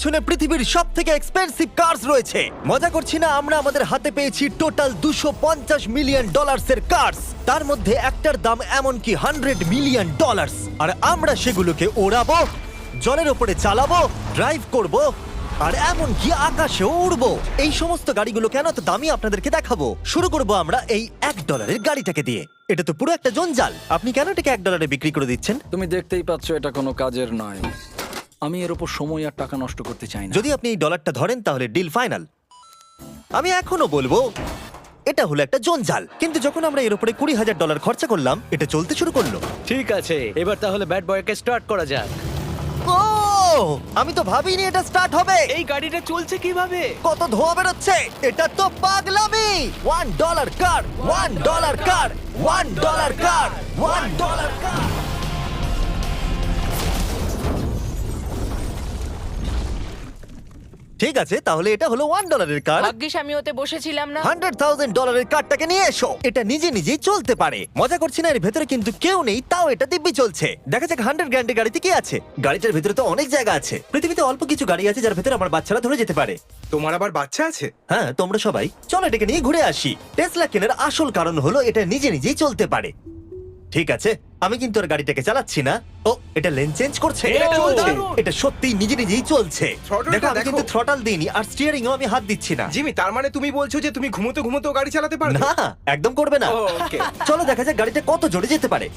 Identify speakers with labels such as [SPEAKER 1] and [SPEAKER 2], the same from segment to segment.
[SPEAKER 1] পেছনে পৃথিবীর সব থেকে এক্সপেন্সিভ কার্স রয়েছে। মজা করছি না, আমরা আমাদের হাতে পেয়েছি টোটাল $250 মিলিয়ন এর কার্স। তার মধ্যে একটার দাম এমনকি $100 মিলিয়ন। আর আমরা সেগুলোকে ওড়াবো, জলের ওপরে চালাবো, ড্রাইভ করব, আর এমনকি আকাশেও উড়বো। এই সমস্ত গাড়িগুলো কেন তো দামি আপনাদেরকে দেখাবো। শুরু করব আমরা এই $1 গাড়িটাকে দিয়ে। এটা তো পুরো একটা জঞ্জাল। আপনি কেন এটাকে $1 বিক্রি করে দিচ্ছেন?
[SPEAKER 2] তুমি দেখতেই পাচ্ছ এটা কোনো কাজের নয়। আমি এর উপর সময় আর টাকা নষ্ট করতে চাই না।
[SPEAKER 1] যদি আপনি এই ডলারটা ধরেন তাহলে ডিল ফাইনাল। আমি এখনো বলবো এটা হলো একটা জঞ্জাল, কিন্তু যখন আমরা এর উপরে $20,000 খরচা করলাম, এটা চলতে শুরু করলো।
[SPEAKER 3] ঠিক আছে, এবার তাহলে ব্যাড বয়কে স্টার্ট করা যাক।
[SPEAKER 1] ও, আমি তো ভাবিনি এটা স্টার্ট হবে।
[SPEAKER 3] এই গাড়িটা চলছে কিভাবে?
[SPEAKER 1] কত ধোঁয়া বেরোচ্ছে, এটা তো পাগলামি। $1 কার, $1 কার, $1 কার, $1 কার। ঠিক আছে, তাহলে এটা হলো $1 কার।
[SPEAKER 4] ভাগ্যিস আমি ওতে বসেছিলাম না।
[SPEAKER 1] $100,000 কারটাকে নিয়ে এসো। এটা নিজে নিজেই চলতে পারে। মজা করছি না, এর ভেতরে কিন্তু কেউ নেই, তাও এটা দিব্যি চলছে। দেখা যাক 100 গ্র্যান্ডের গাড়িতে কি আছে। গাড়িটার ভেতরে তো অনেক জায়গা আছে। পৃথিবীতে অল্প কিছু গাড়ি আছে যার ভেতরে আমার বাচ্চারা ধরে যেতে পারে।
[SPEAKER 5] তোমার আবার বাচ্চা আছে?
[SPEAKER 1] হ্যাঁ, তোমরা সবাই চলো এটাকে নিয়ে ঘুরে আসি। টেসলা কেনার আসল কারণ হলো এটা নিজে নিজেই চলতে পারে। ঠিক আছে, আমি কিন্তু আর গাড়িটাকে চালাচ্ছি না। ও, এটা লেন চেঞ্জ করছে।
[SPEAKER 3] এটা চলছে।
[SPEAKER 1] এটা সত্যি নিজে নিজেই চলছে।
[SPEAKER 5] Throttle-টা
[SPEAKER 1] দেখো, আমি
[SPEAKER 5] দেখো।
[SPEAKER 1] কিন্তু থ্রটাল দিইনি, আর স্টিয়ারিংও আমি হাত দিচ্ছি না।
[SPEAKER 5] জিমি, তার মানে তুমি বলছো যে তুমি ঘুমোতে ঘুমোতেও গাড়ি চালাতে পারবে?
[SPEAKER 1] না, একদম করবে না।
[SPEAKER 5] ওকে।
[SPEAKER 1] চলো দেখা যাক গাড়িটা কত জোরে যেতে পারে।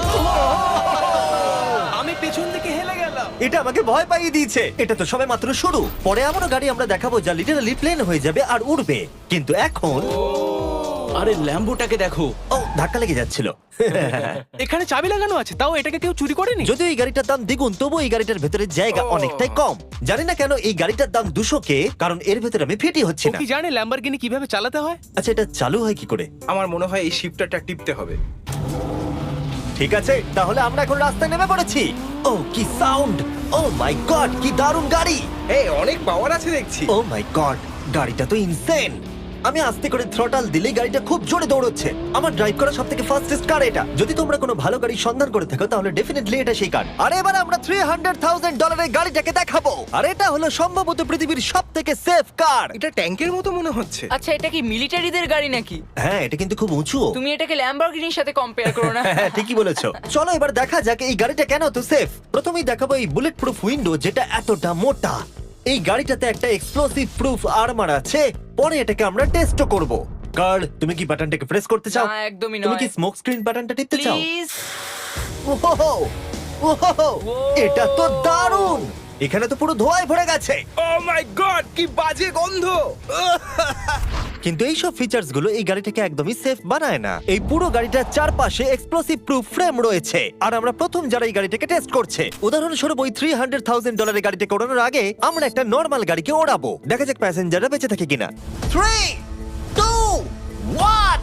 [SPEAKER 3] আমি পেছন থেকে হেলে গেলাম।
[SPEAKER 1] এটা আমাকে ভয় পাইয়ে দিয়েছে। এটা তো সবে মাত্র শুরু। পরে এমনও গাড়ি আমরা দেখাবো যা লিটারালি প্লেন হয়ে যাবে আর উড়বে। কিন্তু এখন
[SPEAKER 3] আরে ল্যাম্বোটাকে দেখো,
[SPEAKER 1] ও, ধাক্কা লেগে যাচ্ছিল।
[SPEAKER 3] এখানে চাবি লাগানো আছে, তাও এটাকে কেউ চুরি করেনি।
[SPEAKER 1] যদিও এই গাড়িটার দাম দ্বিগুণ, তবু এই গাড়িটার ভেতরে জায়গা অনেকটাই কম। জানি না কেন এই গাড়িটার দাম 200K, কারণ এর ভেতরে আমি ফিটি হচ্ছি
[SPEAKER 3] ও
[SPEAKER 1] না।
[SPEAKER 3] কি জানে ল্যাম্বরগিনি কিভাবে চালাতে হয়?
[SPEAKER 1] আচ্ছা, এটা চালু হয় কি করে?
[SPEAKER 5] আমার মনে হয় এই শিফটারটা টিপতে হবে।
[SPEAKER 1] ঠিক আছে, তাহলে আমরা এখন রাস্তায় নেমে পড়েছি। ও, কি সাউন্ড! ও মাই গড, কি দারুণ গাড়ি!
[SPEAKER 5] এই অনেক পাওয়ার আছে দেখছি।
[SPEAKER 1] ও মাই গড, গাড়িটা তো ইনসেন। আমি আস্তে করে থ্রটাল দিলেই গাড়িটা খুব জোরে দৌড়চ্ছে। আমার ড্রাইভ করা সবথেকে ফাস্টেস্ট কার এটা। যদি তোমরা কোনো ভালো গাড়ি সন্ধান করে থাকো তাহলে ডেফিনেটলি এটা সেই কার। আর এবার আমরা $300,000 গাড়িটাকে দেখাবো। আর এটা হলো সম্ভবত পৃথিবীর সবথেকে সেফ কার।
[SPEAKER 5] এটা ট্যাঙ্কের মতো মনে হচ্ছে।
[SPEAKER 4] আচ্ছা, এটা কি মিলিটারিদের গাড়ি নাকি?
[SPEAKER 1] হ্যাঁ, এটা কিন্তু খুব উঁচু।
[SPEAKER 4] তুমি এটাকে ল্যাম্বরগিনির সাথে কম্পেয়ার করো না।
[SPEAKER 1] হ্যাঁ, ঠিকই বলেছো। চলো এবার দেখা যাক এই গাড়িটা কেন তো সেফ। প্রথমেই দেখাবো এই বুলেট প্রুফ উইন্ডো, যেটা এতটা মোটা। এই গাড়িটাতে একটা এক্সপ্লোসিভ প্রুফ আর্মার আছে। পরে এটাকে আমরা টেস্টও করব। কার্ল, তুমি কি বাটনটাকে প্রেস করতে চাও?
[SPEAKER 4] না, একদমই
[SPEAKER 1] তুমি কি
[SPEAKER 4] নয়।
[SPEAKER 1] স্মোক স্ক্রিন বাটনটা টিপতে চাও?
[SPEAKER 4] প্লিজ।
[SPEAKER 1] ওহো, ওহো, এটা তো দারুণ। এখানে তো পুরো ধোঁয়ায় ভরে গেছে।
[SPEAKER 5] ও মাই গড, কি বাজে গন্ধ!
[SPEAKER 1] কিন্তু এই সব ফিচার্স গুলো এই গাড়িটাকে একদমই সেফ বানায় না। এই পুরো গাড়িটার চারপাশে এক্সপ্লোসিভ প্রুফ ফ্রেম রয়েছে। আর আমরা প্রথম যারা এই গাড়িটাকে টেস্ট করছে, উদাহরণস্বরূপ ওই $300,000 গাড়িটাকে ওড়ানোর আগে আমরা একটা নর্মাল গাড়িকে ওড়াবো। দেখা যাক প্যাসেঞ্জাররা বেঁচে থাকে কিনা। 3, 2, 1।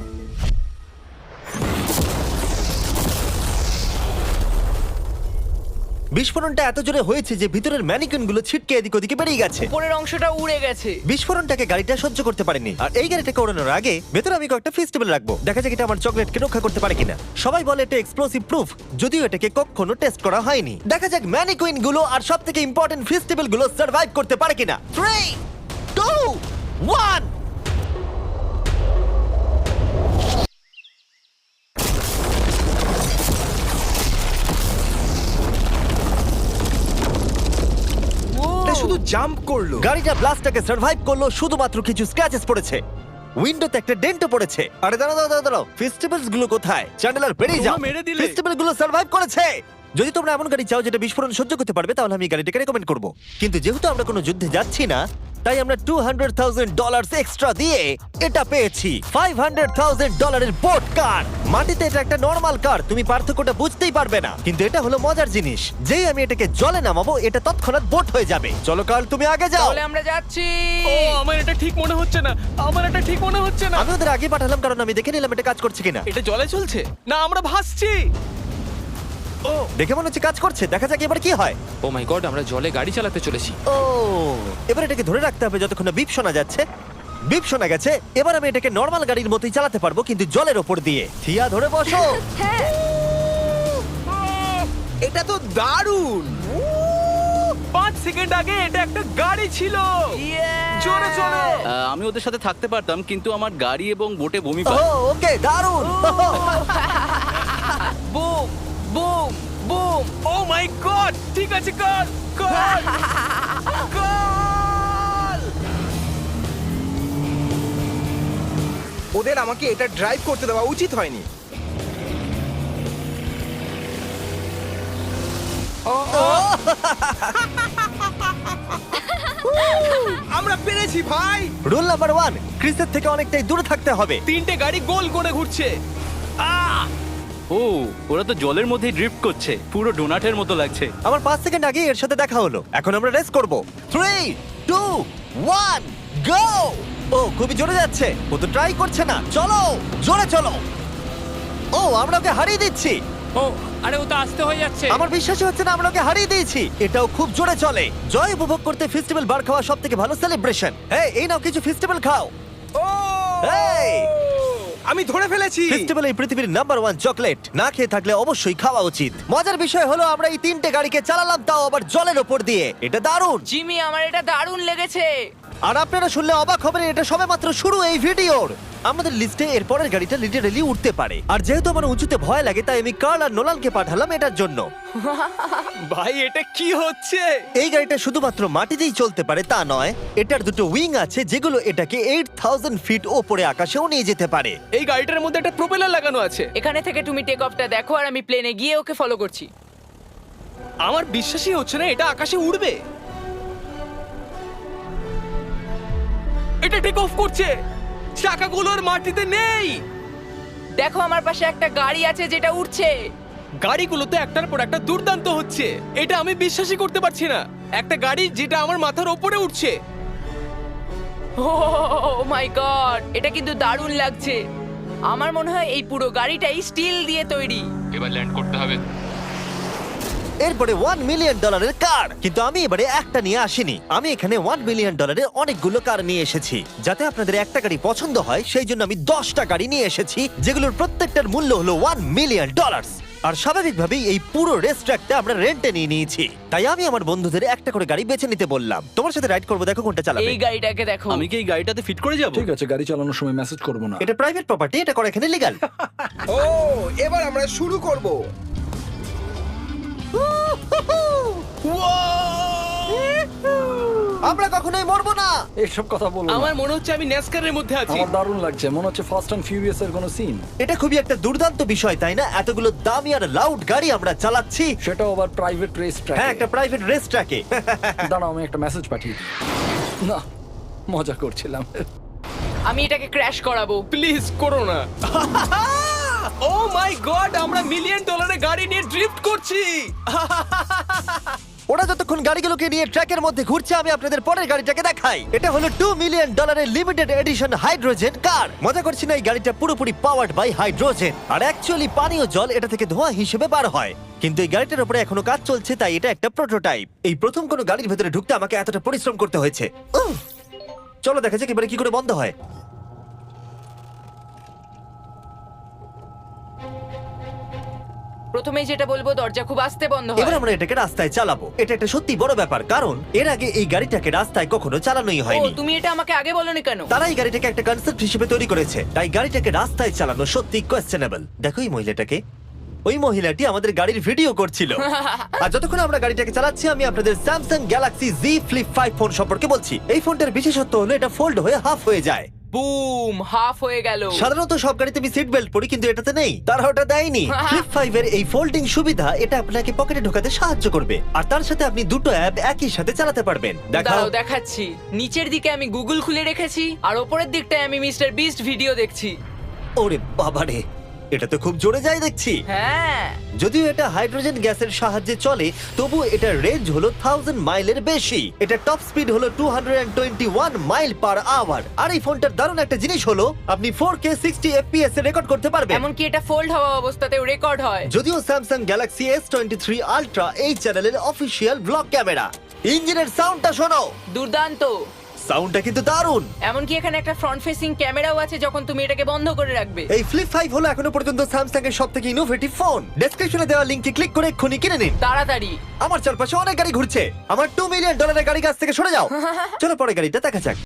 [SPEAKER 1] বিস্ফোরণটা এত জোরে হয়েছে যে ভিতরের ম্যানিকুইন গুলো ছিটকে এদিক ওদিকে বেরিয়ে গেছে।
[SPEAKER 4] উপরের অংশটা উড়ে গেছে।
[SPEAKER 1] বিস্ফোরণটাকে গাড়িটা সহ্য করতে পারেনি। আর এই গাড়িটাকে ওড়ানোর আগে ভেতরে আমি কয়েকটা ফেস্টিভ্যাল রাখবো। দেখা যাক এটা আমার চকলেটকে রক্ষা করতে পারে কিনা। সবাই বলে এটা এক্সপ্লোসিভ প্রুফ, যদিও এটাকে কখনো টেস্ট করা হয়নি। দেখা যাক ম্যানিকুইন গুলো আর সবথেকে ইম্পর্টেন্ট ফেস্টিভ্যাল গুলো সার্ভাইভ করতে পারে কিনা। 3, 2, 1।
[SPEAKER 5] এটা শুধু জাম্প করলো।
[SPEAKER 1] গাড়িটা ব্লাস্টটাকে সার্ভাইভ করলো, শুধুমাত্র কিছু স্ক্র্যাচেস পড়েছে। উইন্ডোতে একটা ডেন্টও পড়েছে। আরে দাঁড়াও, ফেস্টিভ্যালস গুলো কোথায়? চ্যান্ডেলার বেরিয়ে যাও।
[SPEAKER 3] তোমরা মেরে দিলে।
[SPEAKER 1] ফেস্টিভ্যাল গুলো সার্ভাইভ করেছে। যদি তোমরা এমন গাড়ি চাও যেটা বিস্ফোরণ সহ্য করতে পারবে, তাহলে আমি এই গাড়িটাকে রেকমেন্ড করব। কিন্তু যেহেতু আমরা কোনো যুদ্ধে যাচ্ছি না, তাই আমরা $200,000 এক্সট্রা দিয়ে এটা পেয়েছি। $500,000 এর বোট কার। মাটিতে এটা একটা নর্মাল কার, তুমি পার্থক্যটা বুঝতেই পারবে না। কিন্তু এটা হলো মজার জিনিস, যেই আমি এটাকে জলে নামাবো এটা তৎক্ষণাৎ বোট হয়ে যাবে। চলো কার্ল, তুমি আগে যাও।
[SPEAKER 4] তাহলে আমরা যাচ্ছি।
[SPEAKER 3] ও, আমার এটা ঠিক মনে হচ্ছে না, আমার এটা ঠিক মনে হচ্ছে না।
[SPEAKER 1] আমি ওদের আগে পাঠালাম কারণ আমি দেখে নিলাম এটা কাজ করছে কিনা।
[SPEAKER 3] এটা জলে চলছে না, আমরা ভাসছি। ও,
[SPEAKER 1] দেখে মনে হচ্ছে কাজ করছে। দেখা যাক এবার কি হয়।
[SPEAKER 6] ও মাই গড, আমরা জলে গাড়ি চালাতে চলেছি।
[SPEAKER 1] ও, এবার এটাকে ধরে রাখতে হবে যতক্ষণ না বিপ শোনা যাচ্ছে। বিপ শোনা গেছে। এবার আমি এটাকে নর্মাল গাড়ির মতোই চালাতে পারবো, কিন্তু জলের ওপর দিয়ে। থিয়া, ধরে বসো।
[SPEAKER 4] হ্যাঁ।
[SPEAKER 5] এটা তো দারুণ!
[SPEAKER 3] 5 সেকেন্ড আগে এটা একটা গাড়ি ছিল। জোরে চলো।
[SPEAKER 7] আমি ওদের সাথে থাকতে পারতাম কিন্তু আমার গাড়ি এবং বোটে বমি
[SPEAKER 1] ও
[SPEAKER 7] পায়।
[SPEAKER 1] ওকে দারুণ
[SPEAKER 4] boom boom boom.
[SPEAKER 3] Oh my god, ঠিক আছে, কর কর কর।
[SPEAKER 5] ওদের আমাকে এটা ড্রাইভ করতে দেওয়া উচিত হয়নি। আমরা পেরেছি ভাই।
[SPEAKER 1] রুল নাম্বার 1, ক্রিসের থেকে অনেকটাই দূরে থাকতে হবে।
[SPEAKER 3] 3টে গাড়ি গোল করে ঘুরছে।
[SPEAKER 7] ও ওরা তো জলের মধ্যে ড্রিফট করছে, পুরো ডোনাটের মতো লাগছে।
[SPEAKER 1] আমার 5 সেকেন্ড আগে এর সাথে দেখা হলো। এখন আমরা রেস করব। 3 2 1 গো! ও খুবই জোরে যাচ্ছে। ও তো ট্রাই করছে না। চলো জোরে চলো। ও আমরা ওকে হারিয়ে দিচ্ছি।
[SPEAKER 6] ও আরে ও তো আসতে হয়ে যাচ্ছে।
[SPEAKER 1] আমার বিশ্বাসই হচ্ছে না আমরা ওকে হারিয়ে দিয়েছি। এটাও খুব জোরে চলে। জয় উপভোগ করতে ফেস্টিভ্যাল বার খাওয়া সব থেকে ভালো সেলিব্রেশন। এই নাও কিছু ফেস্টিভ্যাল খাও।
[SPEAKER 5] ও
[SPEAKER 1] এই!
[SPEAKER 5] আমি ধরে ফেলেছি।
[SPEAKER 1] ফেস্টিভ্যাল এই পৃথিবীর নাম্বার 1 চকলেট। না খেয়ে থাকলে অবশ্যই খাওয়া উচিত। মজার বিষয় হলো আমরা এই 3টে গাড়িকে চালালাম, তাও আবার জলের ওপর দিয়ে। এটা দারুণ।
[SPEAKER 4] জিমি, আমার এটা দারুণ লেগেছে।
[SPEAKER 1] আর আপনারা শুনলে অবাক হবেন, এটা সবেমাত্র শুরু এই ভিডিওর। আমাদের লিস্টে এর পরের গাড়িটা লিটারালি উঠতে পারে। আর যেহেতু আমার উঁচুতে ভয় লাগে, তাই আমি কার্ল আর নোলানকে পাঠালাম এটার জন্য।
[SPEAKER 3] ভাই এটা কি হচ্ছে?
[SPEAKER 1] এই গাড়িটা শুধুমাত্র মাটিতেই চলতে পারে তা নয়, এটার দুটো উইং আছে যেগুলো এটাকে 8000 ফিট ওপরে আকাশেও নিয়ে যেতে পারে।
[SPEAKER 3] এই গাড়িটার মধ্যে একটা প্রপেলার লাগানো আছে।
[SPEAKER 4] এখানে থেকে তুমি টেক অফটা দেখো আর আমি প্লেনে গিয়ে ওকে ফলো করছি।
[SPEAKER 3] আমার বিশ্বাসই হচ্ছে না এটা আকাশে উড়বে। এটা টেক অফ করছে। চাকাগুলোর মাটিতে নেই।
[SPEAKER 4] দেখো আমার পাশে একটা গাড়ি আছে যেটা উঠছে।
[SPEAKER 3] গাড়িগুলোতে একটার পর একটা দুর্দান্ত হচ্ছে। এটা আমি বিশ্বাসই করতে পারছি না। একটা গাড়ি যেটা আমার মাথার ওপরে উঠছে।
[SPEAKER 4] ও মাই গড, এটা কিন্তু দারুণ লাগছে। আমার মনে হয় এই পুরো গাড়িটাই স্টিল দিয়ে তৈরি।
[SPEAKER 6] এবার ল্যান্ড করতে হবে।
[SPEAKER 1] এরপরে $1 মিলিয়ন কার। কিন্তু আমি এবারে একটা নিয়ে আসিনি। আমি এখানে $1 মিলিয়ন অনেকগুলো কার নিয়ে এসেছি। যাতে আপনাদের একটা গাড়ি পছন্দ হয় সেই জন্য আমি 10টা গাড়ি নিয়ে এসেছি, যেগুলোর প্রত্যেকটার মূল্য হলো $1 মিলিয়ন। আর স্বাভাবিকভাবেই এই পুরো রেস ট্র্যাকটা আমরা রেন্টে নিয়ে নিয়েছি। তাই আমি আমার বন্ধুদের একটা করে গাড়ি বেছে নিতে বললাম। তোমার সাথে রাইড করবো, দেখো কোনটা চালাবে।
[SPEAKER 4] এই গাড়িটাকে দেখো।
[SPEAKER 7] আমি কি এই গাড়িটাতে ফিট করে যাব?
[SPEAKER 2] ঠিক আছে, গাড়ি চালানোর সময় মেসেজ করবো না।
[SPEAKER 1] এটা প্রাইভেট প্রপার্টি, এটা করা এখানে লিগ্যাল।
[SPEAKER 5] ও এবার আমরা শুরু করব।
[SPEAKER 1] আমরা কখনোই মরবো না।
[SPEAKER 2] এইসব কথা বলবো
[SPEAKER 3] আমার
[SPEAKER 2] না।
[SPEAKER 3] মনে হচ্ছে আমি ন্যাসকারের মধ্যে আছি।
[SPEAKER 2] আমার দারুণ লাগছে, মনে হচ্ছে ফাস্ট অ্যান্ড ফিউরিয়াস এর কোনো সিন।
[SPEAKER 1] এটা খুবই একটা দুর্দান্ত বিষয়, তাই না? এতগুলো দামি আর লাউড গাড়ি আমরা চালাচ্ছি।
[SPEAKER 2] সেটাও আবার প্রাইভেট রেস ট্র্যাক।
[SPEAKER 1] হ্যাঁ, একটা প্রাইভেট রেস ট্র্যাকে।
[SPEAKER 2] দাঁড়াও, আমি একটা মেসেজ পাঠিয়ে দিই। না, মজা করছিলাম।
[SPEAKER 4] আমি এটাকে ক্র্যাশ করাবো।
[SPEAKER 3] প্লিজ করো না। ও মাই গড, আমরা $1 মিলিয়ন গাড়ি নিয়ে ড্রিফট করছি।
[SPEAKER 1] ওরা যতক্ষণ গাড়িগুলোকে নিয়ে ট্র্যাকের মধ্যে ঘুরছে, আমি আপনাদের পরের গাড়িটাকে দেখাই। এটা হলো $2 million limited edition hydrogen car. মজা করছি না, এই গাড়িটা পুরোপুরি পাওয়ার্ড বাই হাইড্রোজেন। আর অ্যাকচুয়ালি পানীয় জল এটা থেকে ধোঁয়া হিসেবে বার হয়। কিন্তু এই গাড়িটার উপরে এখনো কাজ চলছে, তাই এটা একটা প্রোটোটাইপ। এই প্রথম কোনো গাড়ির ভেতরে ঢুকতে আমাকে এতটা পরিশ্রম করতে হয়েছে। চলো দেখা যাক এবারে কি করে বন্ধ হয়।
[SPEAKER 4] প্রথমে যেটা বলবো, দরজা খুব আস্তে বন্ধ
[SPEAKER 1] এবার
[SPEAKER 4] হয়।
[SPEAKER 1] আমরা এটাকে রাস্তায় চালাবো। এটা একটা সত্যি বড় ব্যাপার, কারণ এর আগে এই গাড়িটাকে রাস্তায় কখনো চালানোই
[SPEAKER 4] ও,
[SPEAKER 1] হয়নি।
[SPEAKER 4] তুমি এটা আমাকে আগে বলনি কেন?
[SPEAKER 1] তারা এই গাড়িটাকে একটা কনসেপ্ট হিসেবে তৈরি করেছে, তাই গাড়িটাকে রাস্তায় চালানো সত্যি কোয়েশ্চেনেবল। দেখো এই মহিলাটাকে। ওই মহিলাটি আমাদের গাড়ির ভিডিও করছিল। আর যতক্ষণ আমরা গাড়িটাকে চালাচ্ছি, আমি আপনাদের Samsung Galaxy Z Flip 5 phone সম্পর্কে বলছি। এই ফোনটার বিশেষত্ব হলো এটা ফোল্ড হয়ে হাফ হয়ে যায়।
[SPEAKER 4] বুম, হাফ হয়ে গেল।
[SPEAKER 1] সাধারণত সব গাড়িতে আমি সিট বেল্ট পরি, কিন্তু এটাতে নেই। তারা ওটা দেয়নি। ফ্লিপ 5 এর এই ফোল্ডিং সুবিধা এটা আপনাকে পকেটে ঢোকাতে সাহায্য করবে। আর তার সাথে আপনি দুটো অ্যাপ একই সাথে চালাতে পারবেন। দেখাও।
[SPEAKER 4] দাঁড়াও, দেখাচ্ছি। নিচের দিকে আমি গুগল খুলে রেখেছি, আর ওপরের দিকটায় আমি মিস্টার বিস্ট ভিডিও দেখছি।
[SPEAKER 1] ওরে বাবারে, এটা তো খুব জোরে যায় দেখছি।
[SPEAKER 4] হ্যাঁ,
[SPEAKER 1] যদিও এটা হাইড্রোজেন গ্যাসের সাহায্যে চলে, তবু এটার রেঞ্জ হলো 1000 মাইলের বেশি। এটা টপ স্পিড হলো 221 মাইল পার আওয়ার। আর এই ফোনটার দারুণ একটা জিনিস হলো আপনি 4K 60 FPS এ রেকর্ড করতে পারবেন।
[SPEAKER 4] এমনকি এটা ফোল্ড হওয়া অবস্থাতেও রেকর্ড হয়।
[SPEAKER 1] যদিও স্যামসাং গ্যালাক্সি S23 আলট্রা এই চ্যানেলের অফিসিয়াল ব্লগ ক্যামেরা। ইঞ্জিনের সাউন্ডটা শোনো।
[SPEAKER 4] দুর্দান্ত।
[SPEAKER 1] সাউন্ডটা কিন্তু দারুণ।
[SPEAKER 4] এমনকি এখানে একটা ফ্রন্ট ফেসিং ক্যামেরাও আছে যখন তুমি এটাকে বন্ধ করে রাখবে।
[SPEAKER 1] এই ফ্লিপ 5 হলো এখনো পর্যন্ত স্যামসাং এর সবথেকে ইনোভেটিভ ফোন। ডেসক্রিপশনে দেওয়া লিংকে ক্লিক করে এক্ষুনি কিনে নিন।
[SPEAKER 4] তাড়াতাড়ি।
[SPEAKER 1] আমার চারপাশে অনেক গাড়ি ঘুরছে। আমার $2 মিলিয়ন গাড়ি কাছ থেকে সরে যাও। চলো পরে গাড়িটা দেখা যাক।